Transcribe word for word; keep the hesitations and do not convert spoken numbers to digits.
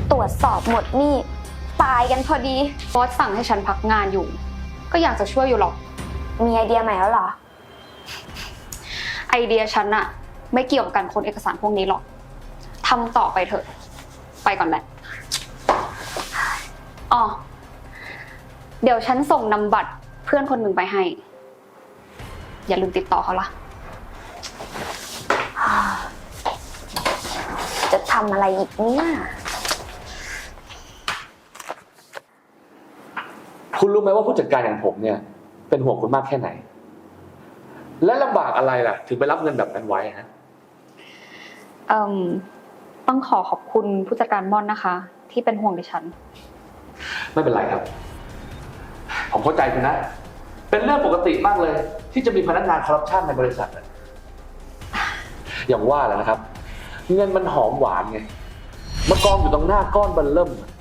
ตรวจสอบหมดนี่ตายกันพอดีบอสสั่งให้ฉันพักงานอยู่ ก็อยากจะช่วยอยู่หรอกมีไอเดียใหม่แล้วเหรอไอเดียฉันอะไม่เกี่ยวกับการค้นเอกสารพวกนี้หรอกทำต่อไปเถอะ ไปก่อนแหละอ๋อเดี๋ยวฉันส่งนำบัตรเพื่อนคนหนึ่งไปให้ อย่าลืมติดต่อเขาล่ะจะทำอะไรอีกเนี่ยคุณรู้ไหมว่าผู้จัดการอย่างผมเนี่ยเป็นห่วงคุณมากแค่ไหนและลำบากอะไรล่ะถึงไปรับเงินแบบนั้นไว้ฮะเอ่มต้องขอขอบคุณผู้จัดการม่อนนะคะ ที่เป็นห่วงดิฉันไม่เป็นไรครับผมเข้าใจคุณนะเป็นเรื่องปกติมากเลยที่จะมีพนักงานคอร์รัปชันในบริษัทอย่างว่าแหละนะครับเงินมันหอมหวานไงมากองอยู่ตรงหน้าก้อนเบิ่มเริ่ม